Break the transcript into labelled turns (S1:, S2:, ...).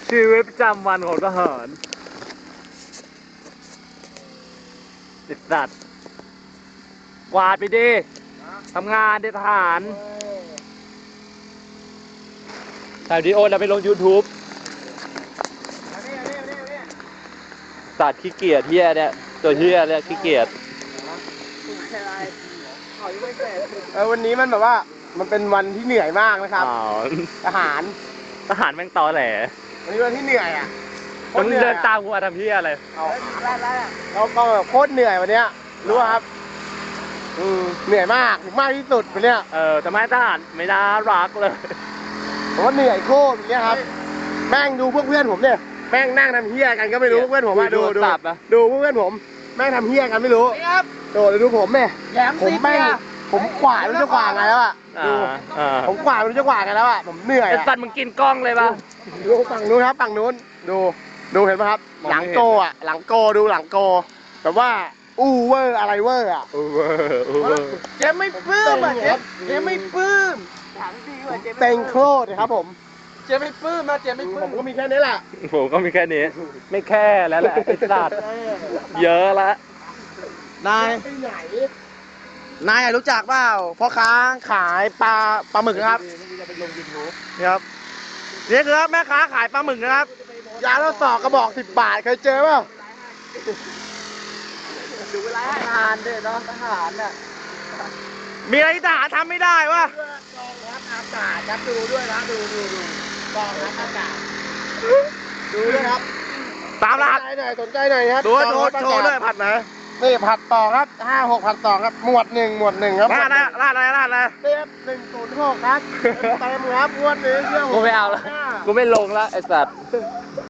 S1: ชีวิตประจำวันของทหารติดสัตว์กวาดไปดิทำงานเด็ทหารถ่ายวิดีโอแล้วไปลง YouTube สัตว์ขี้เกียจเฮียเนี่ยตัวเฮียเนี่ยขี้เกียจ
S2: วันนี้มันแบบว่ามันเป็นวันที่เหนื่อยมากนะครับทหาร
S1: แม่งตอแหล
S2: วันนี้วันที่เหนื่อยอ่ะ
S1: ต้องเดินตามกูมาทำเฮียอะไร
S2: เราก็แบบโคตรเหนื่อยวันเนี้ยรู้ป่ะครับเหนื่อยมากมากที่สุดวันเนี้ย
S1: ทำไมทหารไม่น่ารักเลย
S2: ผมว่าเหนื่อยโคตรอย่างเงี้ยครับแม่งดูพวกเพื่อนผมเนี่ยแม่งนั่งทำเฮี้ยกันก็ไม่รู้เพื่อนผมมาดูพวกเพื่อนผมแม่งทำเฮี้ยกันไม่รู้ดูผมเนี่ยผมแม่งผมกวาดไม่รู้จะกวาดไงแล้วอ่ะดูผมกวาดไม่รู้จะกวาดไงแล้วอ่ะผมเหนื่อย
S1: ไอ้สัตว์มึงกินกล้องเลยป่ะ
S2: ดูฝั่งนู้นครับฝั่งนู้นดูเห็นไหมครับหลังโกอ่ะหลังโกดูหลังโกแบบว่าอู้เวอร์อะไรเวอร์อ่ะเจ๊ไม่ปลื้มอ่ะเจ๊ไม่ปลื้มเต็งโคตรครับผมเจ๊ไม่ปลื้มนะเจ๊ไม่ปลื้มผมก็มีแค่นี้แหละ
S1: ผมก็มีแค่นี้ไม่แค่แล้วแหละไอ้สัตว์เยอะละ
S2: นายรู้จักเปล่าพ่อค้าขายปลาหมึกครับนี่ครับนี่คือแม่ค้าขายปลาหมึกนะครับยาเราสอกกระบอก10 บาทเคยเจอเปล่าดูเวลาทหารเด็ดเนาะทหารเนี่ยมีอะไรที่ทหารทำไม่ได้วะกองทัพอากาศครับดูด้วยนะดูกองทัพอากาศดูด้วยครับตามรหัสสนใจหน่อยครับดูโชว์ด้วยผัดไหนนี่ผัดต่อครับ56ผัดต่อครับหมวดหนึ่งครับราดอะไรเต็ม106ครับเต็มครับงวดนี้เชื่อผม
S1: กูไม่เอาแล้วกูไม่ลงแล้วไอ้สัตว์